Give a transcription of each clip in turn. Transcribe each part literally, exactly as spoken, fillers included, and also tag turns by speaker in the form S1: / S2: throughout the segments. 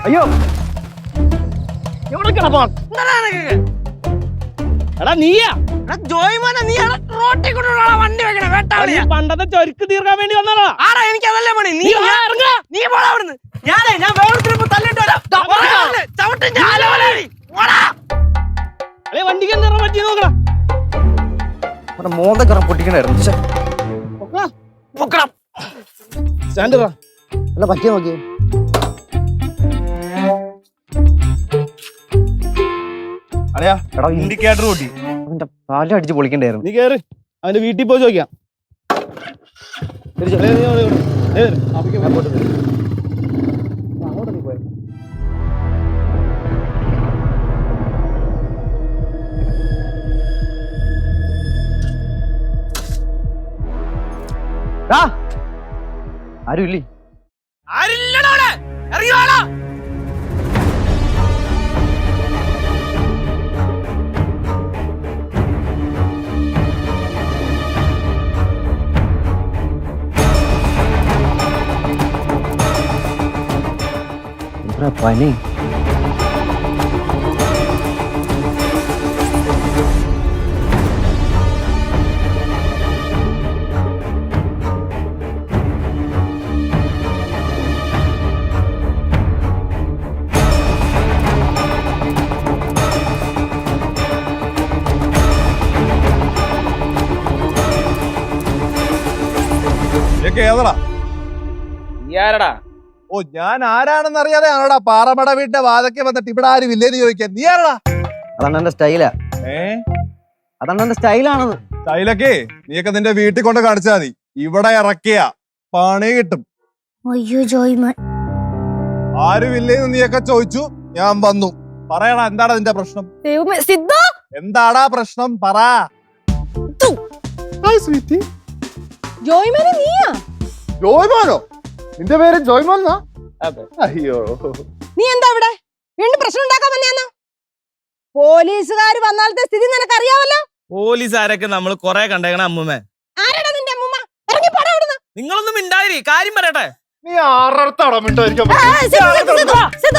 S1: അയ്യോ എവിടെ കിടപ്പാ എടാ നീയാ
S2: ജോയ്മോനെ നീ റോട്ടിൽ കൊണ്ടുള്ള വണ്ടി വെക്കണേ വേട്ടാളിയാ.
S1: പണ്ടത്തെ ചൊരുക്ക് തീർക്കാൻ വേണ്ടി വന്നതാ.
S2: ആടാ എനിക്ക് അതല്ലേ പണി. നീ ഇറങ്ങ, നീ പോടാ അവിടുന്ന്. ഞാനേ ഞാൻ വേറൊരുത്തരിപ്പോ തല്ലിട്ട് വരാം. ചവിട്ടും
S1: വണ്ടിക്ക് എന്താ പറ്റി നോക്കടാ.
S3: മോന്തക്കറ പൊട്ടിക്കണായിരുന്നു.
S1: സ്റ്റാൻഡ്
S3: അല്ല പറ്റിയ നോക്കിയേ.
S1: അറിയാ എടാ ഇൻഡിക്കേറ്റർ കൂട്ടി
S3: അവന്റെ പാലം അടിച്ച് പൊളിക്കണ്ടായിരുന്നു.
S1: നീ കേറ് അവന്റെ വീട്ടിൽ പോയി ചോദിക്കാം.
S3: ആരും ഇല്ലേ?
S2: ആരില്ലടോടെ ഇറങ്ങിവാടാ.
S3: പനി
S4: ഏതടാ
S1: ആരടാ?
S4: ഓ ഞാൻ ആരാണെന്ന് അറിയാതെ ആണോടാ പാറമട വീട്ടിന്റെ വാതൊക്കെ വന്നിട്ട് ഇവിടെ ആരും ഇല്ലേന്ന് ചോദിക്കാൻ. നീ ആരടാ?
S3: അതാണ് എന്റെ സ്റ്റൈലാ.
S4: ഏ
S3: അതാണ് എന്റെ സ്റ്റൈലാണെന്ന്.
S4: സ്റ്റൈലൊക്കെ നീയൊക്കെ നിന്റെ വീട്ടിൽ കൊണ്ട് കാണിച്ചാ മതി. ഇവിടെ ഇറക്കിയ പണി കിട്ടും.
S5: അയ്യോ ജോയ്മോൻ,
S4: ആരും ഇല്ലേന്ന് നീയൊക്കെ ചോദിച്ചു, ഞാൻ വന്നു. പറയടാ എന്താടാ നിന്റെ പ്രശ്നം?
S5: സിദ്ധു
S4: എന്താടാ പ്രശ്നം പറ.
S5: ജോയ്മോനെ നീയാ?
S4: ജോയ്മോനോ? നിന്റെ പേര് ജോയ്മോൻ? അയ്യോ
S5: നീ എന്താ ഇവിടെ വീണ്ടും പ്രശ്നം ഉണ്ടാക്കാൻ വന്നെയാന്നോ? പോലീസുകാർ വന്നാലത്തെ സ്ഥിതി നിനക്ക് അറിയാവല്ലോ.
S1: പോലീസുകാരൊക്കെ നമ്മൾ കൊറേ കണ്ടേക്കണ അമ്മൂമ്മേ.
S5: ആരാടാ നിന്റെ അമ്മൂമ്മ? ഇറങ്ങി പോടാ അവിടുന്ന്.
S1: നിങ്ങളൊന്നും മിണ്ടായിരി, കാര്യം പറയട്ടെ.
S4: നീ ആറടത്താടാ മിണ്ടായിരിക്കാൻ?
S5: ആ, സിദ്ധു, സിദ്ധു, സിദ്ധു,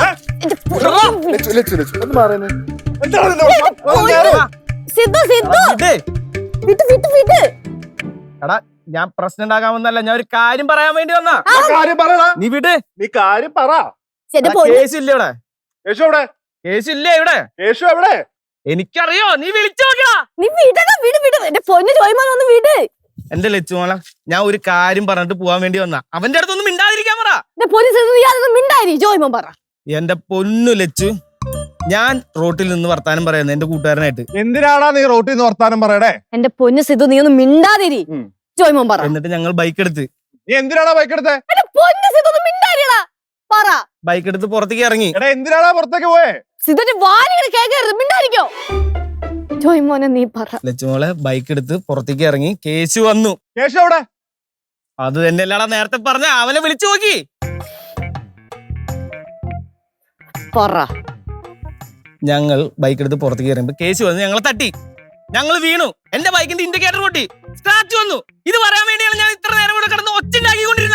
S5: സിദ്ധു, സിദ്ധു, വിട്ട്, വിട്ട്, വിട്ട്.
S1: എടാ ഞാൻ പ്രശ്നം ഉണ്ടാക്കാൻ വന്നല്ല, ഞാൻ ഒരു കാര്യം പറയാൻ വേണ്ടി വന്നാ.
S4: കാര്യം പറയടാ.
S1: നീ വിട്.
S4: നീ കാര്യം പറ.
S5: എന്റെ പൊന്ന്
S1: കേസ് ഇല്ല ഇവിടെ.
S4: യേശു എവിടെ?
S1: കേസ് ഇല്ലേ ഇവിടെ?
S4: യേശു എവിടെ?
S1: എനിക്കറിയോ, നീ വിളിച്ചു നോക്കടാ.
S5: നീ വിടടാ, വിട്, വിട്. എന്റെ പൊന്ന് ജോയ്മോൻ ഒന്ന് വിട്.
S1: എന്റെ ലച്ചുമോള, ഞാൻ ഒരു കാര്യം പറഞ്ഞിട്ട് പോവാൻ വേണ്ടി വന്നാ. അവന്റെ അടുത്തൊന്നും മിണ്ടാതിരിക്കാൻ പറ.
S5: എന്റെ പോലീസ് യാതൊന്നും മിണ്ടായി. ജോയ്മോൻ പറ.
S1: എന്റെ പൊന്നു ലച്ചു, ഞാൻ റോട്ടിൽ നിന്ന് വർത്താനം പറയുന്നത് എന്റെ കൂട്ടുകാരനായിട്ട്.
S4: എന്തിനാടാ നീ റോട്ടിൽ നിന്ന് വർത്താനം പറയടേ?
S5: എന്റെ പൊന്ന് സിദ്ധു, നീ ഒന്ന് മിണ്ടാതിരി. ജോയ്മോൻ പറ.
S1: എന്നിട്ട് ഞങ്ങൾ ബൈക്ക് എടുത്ത്.
S4: നീ എന്തിനാടാ ബൈക്ക് എടുത്തേ?
S5: എന്റെ പൊന്ന് സിദ്ധു ഒന്ന് മിണ്ടാതിരിടാ. പറ.
S1: ബൈക്ക് എടുത്ത് പുറത്തേക്ക് ഇറങ്ങി.
S4: എടാ എന്തിനാടാ പുറത്തേക്ക് പോയേ?
S5: സിദ്ധുന്റെ വാലിങ്ങനെ കേൾക്കരുത്, മിണ്ടായിരിക്കോ. ജോയ്മോനെ നീ പറ.
S1: ലച്ചുമോളെ ബൈക്ക് എടുത്ത് പുറത്തേക്ക് ഇറങ്ങി. കേസ് വന്നു.
S4: യേശു എവിടെ?
S1: അത് തന്നെ അല്ലാടാ നേരത്തെ പറഞ്ഞ. അവനെ വിളിച്ചു നോക്കി.
S5: പറ.
S1: ഞങ്ങൾ ബൈക്ക് എടുത്ത് പുറത്തേക്ക് ഇറങ്ങുമ്പോ കേസ് വന്നു. ഞങ്ങളെ തട്ടി, ഞങ്ങൾ വീണു. എന്റെ ബൈക്കിന്റെ ഇൻഡിക്കേറ്റർ പൊട്ടി, സ്ക്രാച്ച് വന്നു. ഇത് പറയാൻ വേണ്ടിയാണ് ഞാൻ ഇത്ര നേരം കൂടെ കിടന്ന് ഒച്ചുണ്ടാക്കിക്കൊണ്ടിരുന്നത്.